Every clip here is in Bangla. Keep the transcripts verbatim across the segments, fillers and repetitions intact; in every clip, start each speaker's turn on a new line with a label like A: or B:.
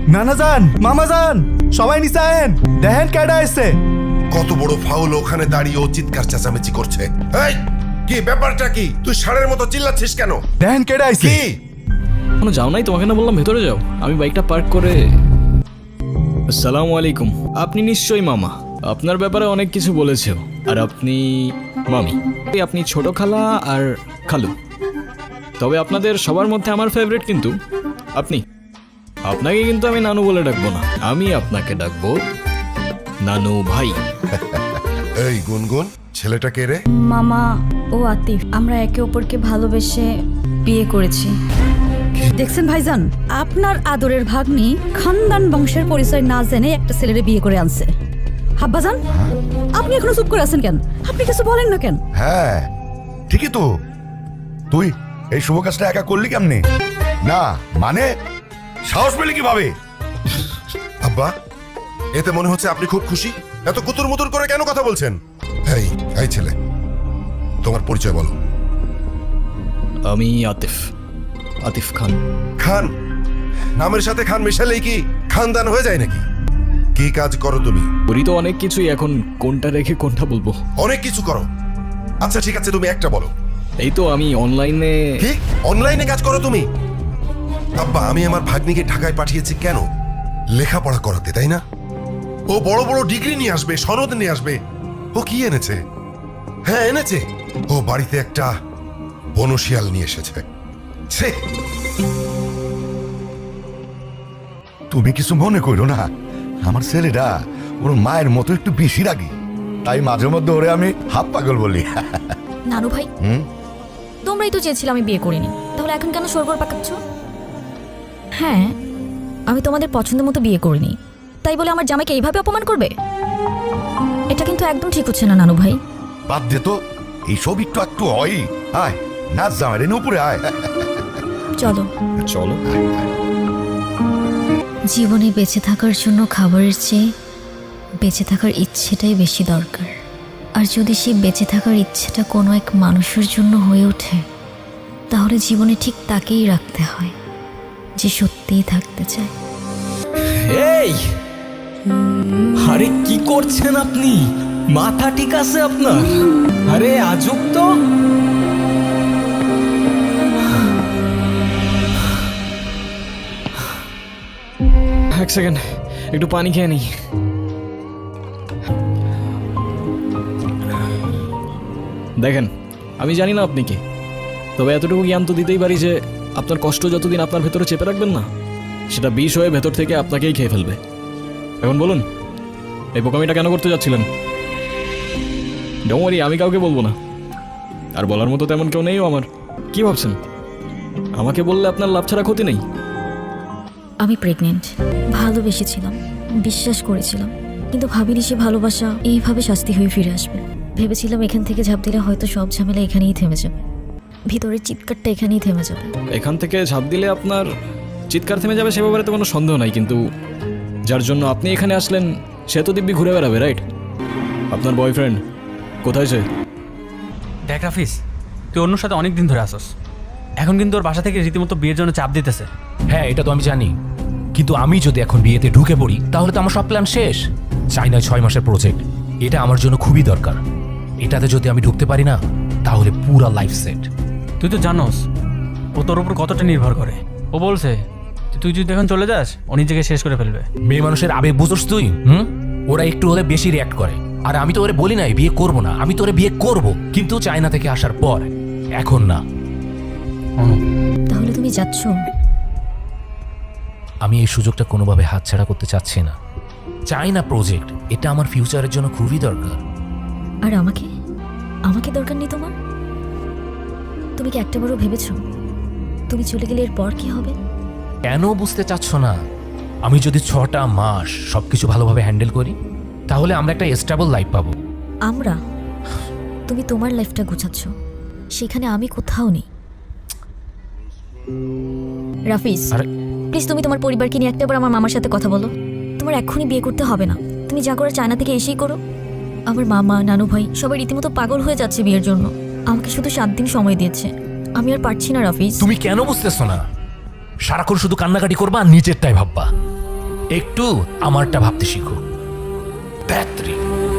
A: নানা যান, মামা যান, সবাই নিচে আয়েন, দেখেন কেডা এসছে।
B: কত বড় ফাউল, ওখানে দাঁড়িয়ে ও চিৎকার চেঁচামেচি করছে। এই কি ব্যাপারটা কি? তুই ষাঁড়ের মতো চিল্লাচ্ছিস কেন?
A: দেখেন কেডা এসছে।
B: কি
C: কোনো যাও নাই? তোমাকে না বললাম ভেতরে যাও। আমি বাইকটা পার্ক করে। আসসালামু আলাইকুম। আপনি নিশ্চয়ই মামা। আপনার ব্যাপারে অনেক কিছু বলেছেও। আর আপনি মামি। আপনি ছোট খালা আর খালু। তবে আপনাদের সবার মধ্যে আমার ফেভারিট কিন্তু আপনি। আপনাকে কিন্তু আমি নানু বলে ডাকবো না, আমি আপনাকে ডাকবো নানু ভাই।
B: এই গুনগুন, ছেলেটা কে রে?
D: মামা ও আতিফ, আমরা একে অপরকে ভালোবেসে বিয়ে করেছি। দেখছেন ভাইজান, আপনার আদরের ভাগ্নি খানদান বংশের পরিচয় না জেনে একটা ছেলেরে বিয়ে করে আনছে। হাব্বাজান, আপনি এখনো চুপ করে আছেন কেন? আপনি কিছু বলেন না কেন?
E: হ্যাঁ ঠিকই তো, তুই এই শুভ কাজটা একা করলি কেমনে? না মানে সাহস পেলি কিভাবে?
B: আব্বা, এতে মনে হচ্ছে আপনি খুব খুশি। এত কুতুর মুতুর করে কেন কথা বলছেন? এই এই ছেলে, তোমার পরিচয় বলো।
C: আমি আতিফ, আতিফ খান।
B: খান? নামের সাথে খান মেশালেই কি খানদান হয়ে যায় নাকি? কি কাজ করো তুমি?
C: করি তো অনেক কিছুই, এখন কোনটা রেখে কোনটা বলবো?
B: অনেক কিছু করো। আচ্ছা ঠিক আছে, তুমি একটা বলো।
C: এই তো আমি অনলাইনে।
B: কি অনলাইনে কাজ করো তুমি? আব্বা, আমি আমার ভাগ্নিকে ঢাকায় পাঠিয়েছি কেন? লেখাপড়া করাতে, তাই না? ও বড় বড় ডিগ্রি নিয়ে আসবে, সনদ নিয়ে আসবে। ও কি এনেছে? হ্যাঁ এনেছে, ও বাড়িতে একটা বনশিয়াল নিয়ে এসেছে। ছে!
E: তুমি কিছু মনে করো না, আমার ছেলেটা ওর মায়ের মতো একটু বেশি রাগি, তাই মাঝে মধ্যে ওরে আমি হাফ পাগল বলি।
D: নানু ভাই,
E: হুম?
D: তোমরাই তো চেয়েছিলে আমি বিয়ে করিনি, তাহলে এখন কেন সরগর পাকাচ্ছ? হ্যাঁ, আমি তোমাদের পছন্দ মতো বিয়ে করিনি, তাই বলে আমার জামাইকে এইভাবে অপমান করবে? এটা কিন্তু একদম ঠিক হচ্ছে না নানু ভাই।
E: বাদ দে তো, এইসব একটু একটু হয়। আয় নাচ জামাই রে, উপরে আয়।
D: চলো
C: চলো।
F: জীবনে বেঁচে থাকার জন্য খাবারের চেয়ে বেঁচে থাকার ইচ্ছেটাই বেশি দরকার। আর যদি সেই বেঁচে থাকার ইচ্ছেটা কোনো এক মানুষের জন্য হয়ে ওঠে, তাহলে জীবনে ঠিক তাকেই রাখতে হয় যে সত্যিই থাকতে চায়।
C: এই আরে কি করছেন আপনি? মাথা ঠিক আছে আপনার? আরে আজব তো। এক সেকেন্ড, একটু পানি খেয়ে নিই। দেখেন, আমি জানি না আপনি কি, তবে এতটুকু জ্ঞান তো দিতেই পারি যে আপনার কষ্ট যতদিন আপনার ভেতরে চেপে রাখবেন না, সেটা বিষ হয়ে ভেতর থেকে আপনাকেই খেয়ে ফেলবে। এখন বলুন, এই বোকামিটা কেন করতে যাচ্ছিলেন? ডোন্ট ওয়ারি, আমি কাউকে বলবো না, আর বলার মতো তেমন কেউ নেইও আমার। কি ভাবছেন আমাকে বললে আপনার লাভ ছাড়া ক্ষতি নেই?
F: আমি প্রেগনেন্ট, ভালোবেসেছিলাম, বিশ্বাস করেছিলাম, কিন্তু ভাবিনি সে ভালোবাসা এইভাবে শাস্তি হয়ে ফিরে আসবে। ভেবেছিলাম এখান থেকে ঝাঁপ দিলে হয়তো সব ঝামেলা এখানেই থেমে যাবে, ভিতরের চিৎকারটা এখানেই থেমে যাবে।
C: এখান থেকে ঝাঁপ দিলে আপনার চিৎকার থেমে যাবে সে ব্যাপারে তো কোনো সন্দেহ নাই, কিন্তু যার জন্য আপনি এখানে আসলেন সে তো দিব্যি ঘুরে বেড়াবে, রাইট? আপনার বয়ফ্রেন্ড কোথায় সে?
G: দেখ রাফিস, তুই অন্যর সাথে অনেক দিন ধরে আসস, এখন কিন্তু ওর বাসা থেকে রীতিমতো বিয়ের জন্য চাপ দিতেছে।
H: হ্যাঁ এটা তো আমি জানি, কিন্তু আমি যদি এখন বিয়েতে ঢুকে পড়ি তাহলে তো আমার সব প্ল্যান শেষ। চাইনায় ছয় মাসের প্রজেক্ট, এটা আমার জন্য খুবই দরকার। এটাতে যদি আমি ঢুকতে পারি না তাহলে পুরা লাইফ সেট।
G: তুই তো জানোস ও তোর উপর কতটা নির্ভর করে। ও বলছে তুই যদি এখন চলে যাস ও নিজেকে শেষ করে ফেলবে।
H: মেয়ে মানুষের আবেগ বুঝোস তুই? হুম, ওরা একটু হলে বেশি রিয়াক্ট করে। আর আমি তো ওরে বলি নাই বিয়ে করবো না, আমি তো ওরে বিয়ে করবো, কিন্তু চায়না থেকে আসার পর, এখন না।
F: তাহলে তুমি যাচ্ছ?
H: আমি এই সুযোগটা কোনোভাবে হাতছাড়া করতে চাচ্ছি না। চাইনা প্রজেক্ট, এটা আমার ফিউচারের জন্য খুবই দরকার।
F: আর আমাকে আমাকে দরকার নেই তোমার? তুমি কি একটাবারও ভেবেছ তুমি চলে গেলে এরপর কি হবে?
H: কেন বুঝতে চাচ্ছ না? আমি যদি ছটা মাস সবকিছু ভালোভাবে হ্যান্ডেল করি তাহলে আমরা একটা স্টেবল লাইফ পাবো।
F: আমরা? তুমি তোমার লাইফটা গুছাচ্ছ, সেখানে আমি কোথাও নেই। রাফিজ,
H: আরে
F: প্লিজ তুমি তোমার পরিবারকে নিয়ে একটাবার আমার মামার সাথে কথা বলো। তোমার এক্ষুনি বিয়ে করতে হবে না, তুমি যা করো চায়না থেকে এসেই করো। আমার মামা, নানু ভাই সবাই রীতিমতো পাগল হয়ে যাচ্ছে বিয়ের জন্য। আমাকে শুধু সাত দিন সময় দিয়েছে, আমি আর পারছি না রাফিজ।
H: তুমি কেন বুঝতেছো না? সারাক্ষণ শুধু কান্নাকাটি করবা আর নিজেরটাই ভাববা। একটু আমারটা ভাবতে শিখো। ব্যাত্রী।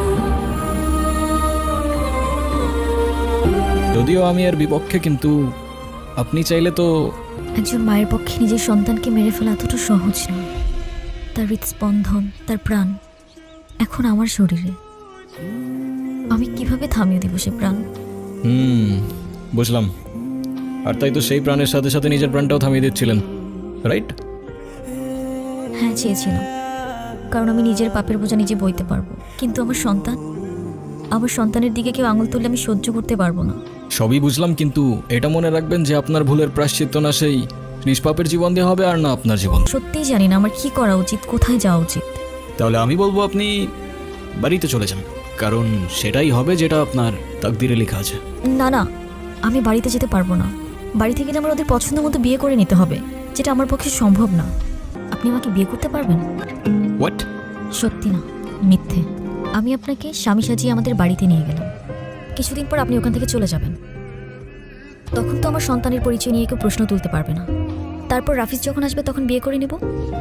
C: যদিও আমি এর বিপক্ষে, কিন্তু আপনি চাইলে তো।
F: একজন মায়ের পক্ষে নিজের সন্তানকে মেরে ফেলা এতটা সহজ নয়। তার হৃদস্পন্দন, তার প্রাণ এখন আমার শরীরে। আমি কিভাবে থামিয়ে দিব সে প্রাণ?
C: হুম, বুঝলাম। আর তাই তো সেই প্রাণের সাথে সাথে নিজের প্রাণটাও থামিয়ে দিচ্ছিলেন, রাইট?
F: হ্যাঁ, চেয়েছিলাম, কারণ আমি নিজের পাপের বোঝা নিজে বইতে পারবো। কিন্তু আমার সন্তান, আমার সন্তানের দিকে কেউ আঙুল তুললে আমি সহ্য করতে পারবো না।
C: সবই বুঝলাম, কিন্তু এটা মনে রাখবেন যে আপনার ভুলের প্রায়শ্চিত্ত না সেই নিষ্পাপের জীবন দিয়ে হবে, আর না আপনার জীবন।
F: সত্যিই জানি না আমার কি করা উচিত, কোথায় যাওয়া উচিত।
C: তাহলে আমি বলবো আপনি বাড়িতে চলে যান, কারণ সেটাই হবে যেটা আপনার তাকদিরে লেখা আছে।
F: না না, আমি বাড়িতে যেতে পারবো না। বাড়ি থেকে গেলে আমার ওদের পছন্দ মতো বিয়ে করে নিতে হবে, যেটা আমার পক্ষে সম্ভব না। আপনি আমাকে বিয়ে করতে পারবেন?
C: হোয়াট?
F: সত্যি না, মিথ্যে। আমি আপনাকে স্বামী সাজিয়ে আমাদের বাড়িতে নিয়ে গেলাম। কিছুদিন পর আপনি ওখান থেকে চলে যাবেন। তখন তো আমার সন্তানের পরিচয় নিয়ে কেউ প্রশ্ন তুলতে পারবে না। তারপর রাফিজ যখন আসবে তখন বিয়ে করে নেব।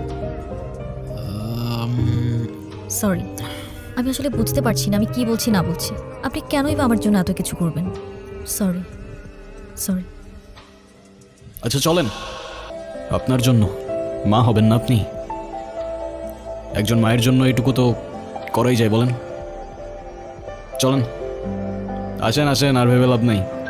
F: সরি, আমি আসলে বুঝতে পারছি না আমি কি বলছি না বলছি। আপনি কেনই বা আমার জন্য এত কিছু করবেন? সরি সরি
C: আচ্ছা চলেন, আপনার জন্য। মা হবেন না আপনি? একজন মায়ের জন্য এটুকু তো করাই যায়, বলেন? চলেন, আসেন আসেন, আর ভেবে লাভ নাই।